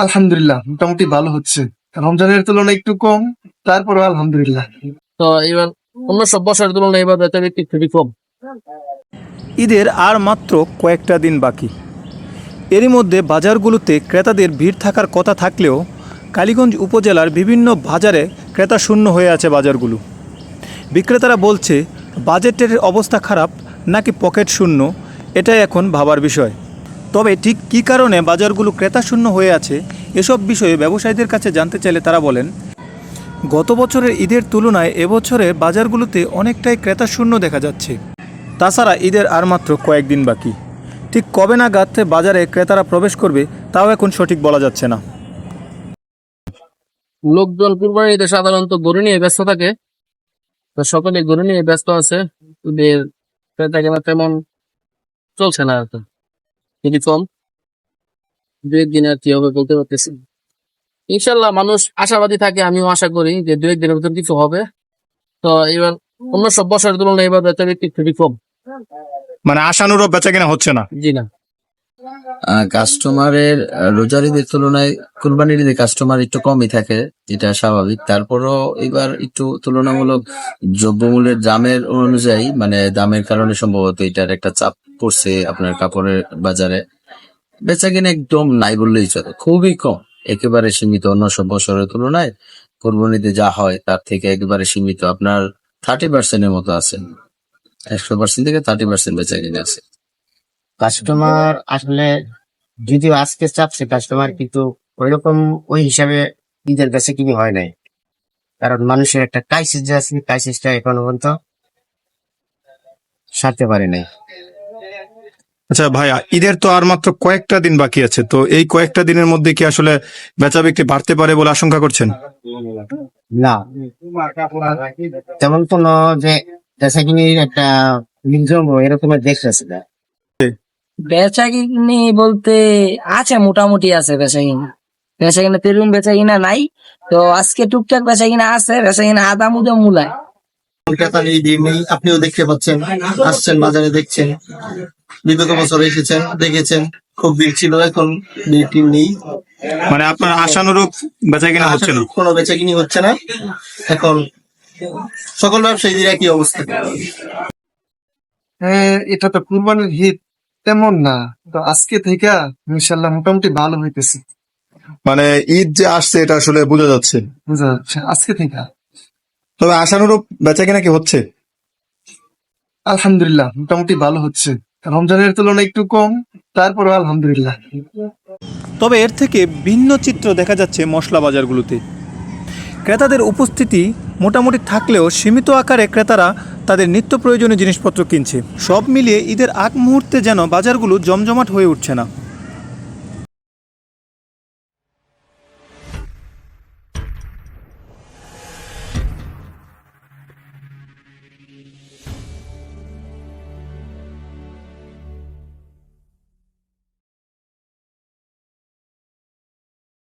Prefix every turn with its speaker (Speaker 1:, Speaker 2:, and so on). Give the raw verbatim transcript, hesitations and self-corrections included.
Speaker 1: আলহামদুলিল্লাহ মোটামুটি ভালো হচ্ছে। রমজানের তুলনায় একটু কম, তারপরেও আলহামদুলিল্লাহ।
Speaker 2: তো এবার অন্য সব বছরের তুলনায় এবার বেচা বিক্রি খুবই কম।
Speaker 3: ঈদের আর মাত্র কয়েকটা দিন বাকি। এরই মধ্যে বাজারগুলোতে ক্রেতাদের ভিড় থাকার কথা থাকলেও কালীগঞ্জ উপজেলার বিভিন্ন বাজারে ক্রেতা শূন্য হয়ে আছে বাজারগুলো। বিক্রেতারা বলছে বাজেটের অবস্থা খারাপ নাকি পকেট শূন্য, এটাই এখন ভাবার বিষয়। তবে ঠিক কী কারণে বাজারগুলো ক্রেতা শূন্য হয়ে আছে এসব বিষয়ে ব্যবসায়ীদের কাছে জানতে চাইলে তারা বলেন, গত বছরের ঈদের তুলনায় এবছরের বাজারগুলোতে অনেকটাই ক্রেতা শূন্য দেখা যাচ্ছে। তাছাড়া ঈদের আর মাত্র কয়েকদিন বাকি। ঠিক কবে নাগাদ বাজারে ক্রেতারা প্রবেশ করবে তাও এখন সঠিক বলা যাচ্ছে না।
Speaker 2: লোকজন কুরবানির ঈদে সাধারণত গরু নিয়ে ব্যস্ত থাকে, তো সকলে গরু নিয়ে ব্যস্ত আছে। ঈদের ক্রেতা কেনা তেমন চলছে না, আর কি খুবই কম। দু একদিন আর কি হবে বলতে পারতেছি। ইনশাল্লাহ মানুষ আশাবাদী থাকে, আমিও আশা করি যে দু একদিনের ভিতর কিছু হবে। তো এবার অন্য সব বছরের তুলনায় এবার বেচা বিক্রি খুবই কম।
Speaker 3: মানে আশানুরূপ বেচা কেনা হচ্ছে না।
Speaker 2: জি না,
Speaker 4: কাস্টমারের রোজার ঈদের তুলনায় কুরবানির ঈদে কাস্টমার একটু কমই থাকে, এটা স্বাভাবিক। তারপরও এবার একটু তুলনামূলক দ্রব্যমূল্যের দামের অনুযায়ী, মানে দামের কারণে সম্ভবত এটার একটা চাপ পড়ছে আপনার কাপড়ের বাজারে। বেচা কিনা একদম নাই বললেই চলে, খুবই কম, একেবারে সীমিত। অন্য সব বছরের তুলনায় কুরবানিতে যা হয় তার থেকে একেবারে সীমিত। আপনার থার্টি পার্সেন্টের মতো আছে, একশো পার্সেন্ট থেকে থার্টি পার্সেন্ট বেচা কিনা আছে।
Speaker 5: কাস্টমার আসলে যদিও আজকে চাপছে কাস্টমার, কিন্তু ওইরকম ওই হিসাবে ঈদের বেচা কিনি হয় নাই। কারণ মানুষের একটা ক্রাইসিস যে আছে, ক্রাইসিসটা এখনো পর্যন্ত সারতে পারে নাই।
Speaker 3: আচ্ছা ভাইয়া, ঈদের তো আর মাত্র কয়েকটা দিন বাকি আছে, তো এই কয়েকটা দিনের মধ্যে কি আসলে বেচা বিক্রি বাড়তে পারে বলে আশঙ্কা করছেন?
Speaker 5: না, তেমন কোন যে বেচা কিনির একটা নির্জম এরকমের দেখতেছে না।
Speaker 6: বেচা কিনি বলতে আছে, মোটামুটি আছে বেচা কিনা। বেচা কিনা তেরুম বেচা কিনা নাই, তো আজকে টুকটাক বেচা কিনা আছে, বেচা কিনা আদা মুদা মূলায়।
Speaker 7: কলকাতার এই দিন নেই, আপনিও দেখতে পাচ্ছেন, আসছেন বাজারে দেখছেন, বিগত বছর এসেছেন দেখেছেন, খুব ভিড় ছিল, এখন ভিড় নেই।
Speaker 3: মানে আপনার আশানুরূপ বেচা কিনা হচ্ছে না,
Speaker 7: কোনো বেচা কিনি হচ্ছে না। এখন সকল ব্যবসায়ীদের একই অবস্থা।
Speaker 1: হ্যাঁ, এটা তো কুরবানির ঈদ তেমন না, তো আজকে থেকে ইনশাল্লাহ মোটামুটি ভালো হইতেছে।
Speaker 3: মানে ঈদ যে আসছে এটা আসলে বোঝা যাচ্ছে।
Speaker 1: বুঝা যাচ্ছে আজকে থেকে।
Speaker 3: তবে আশানুরূপ বেচা কিনা কি হচ্ছে?
Speaker 1: আলহামদুলিল্লাহ মোটামুটি ভালো হচ্ছে। রমজানের তুলনায় একটু কম, তারপরেও আলহামদুলিল্লাহ।
Speaker 3: তবে এর থেকে ভিন্ন চিত্র দেখা যাচ্ছে মশলা বাজারগুলোতে। ক্রেতাদের উপস্থিতি মোটামুটি থাকলেও সীমিত আকারে ক্রেতারা তাদের নিত্য প্রয়োজনীয় জিনিসপত্র কিনছে। সব মিলিয়ে ঈদের আগ মুহূর্তে যেন বাজারগুলো জমজমাট হয়ে উঠছে না।